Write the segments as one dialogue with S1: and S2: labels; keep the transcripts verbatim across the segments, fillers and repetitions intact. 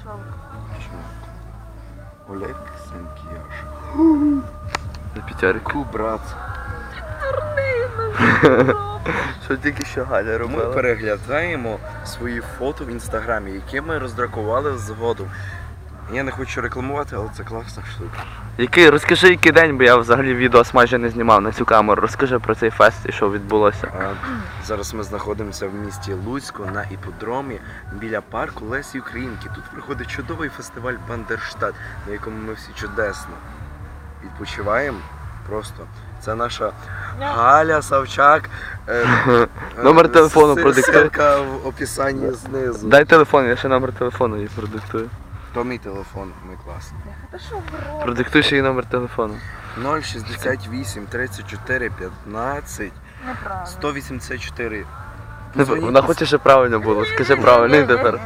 S1: Олег Санкіяш.
S2: На п'ятерку.
S1: Ку, брат.
S2: Що тільки що Галя
S1: Ми
S2: робила?
S1: переглядаємо свої фото в інстаграмі, які ми роздракували згодом. Я не хочу рекламувати, але це класна штука.
S2: Який, розкажи, який день, бо я взагалі відос майже не знімав на цю камеру. Розкажи про цей фест і що відбулося.
S1: А, зараз ми знаходимося в місті Луцьку на іпподромі біля парку Лесі Українки. Тут проходить чудовий фестиваль Бандерштат, на якому ми всі чудесно відпочиваємо. Просто це наша Галя Савчак. Е,
S2: Номер телефону
S1: с-
S2: продиктуй.
S1: Ссылка в описанні знизу.
S2: Дай телефон, я ще номер телефону їй продиктую.
S1: То мій телефон, ми класні.
S3: Та що в рот?
S2: Продиктуй ще їй номер телефону.
S1: нуль шістдесят вісім тридцять чотири п'ятнадцять
S3: Неправильно.
S1: сто вісімдесят чотири.
S2: Не, Вона хоче, щоб правильно було. Скажи правильно і тепер.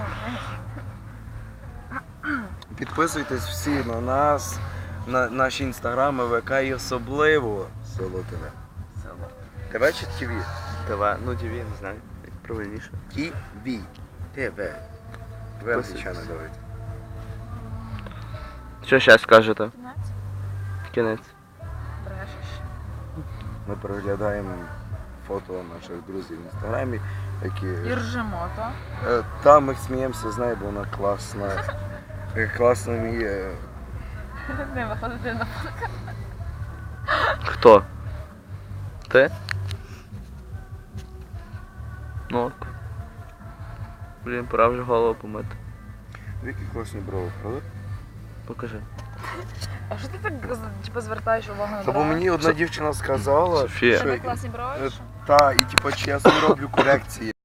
S1: Підписуйтесь всі на нас, на наші інстаграми, ВК і особливо Село ТВ.
S2: Село.
S1: ТВ чи ТВ?
S2: ТВ, ну ТВ, не знаю, як правильніше.
S1: ТВ. ТВ. Ви англічани давайте.
S2: Що ще скажете?
S3: Кінець?
S2: Кінець.
S3: Брешеш.
S1: Ми переглядаємо фото наших друзів в інстаграмі, які...
S3: І ржемо, так?
S1: Е, Там ми сміємося з нею, бо вона класна. Е, Класно вміє.
S3: Не виходити на
S2: Хто? Ти? Ну ок. Блін, пора вже голову помити.
S1: Які класні брови, правда?
S2: Покажи.
S3: А що ти так типу, звертаєш увагу на
S1: Та бо
S3: брови?
S1: мені одна дівчина сказала,
S2: Софія.
S3: Тебе
S1: що
S3: класні брови?
S1: е,
S3: що?
S1: та, і типу, чи я собі роблю корекції.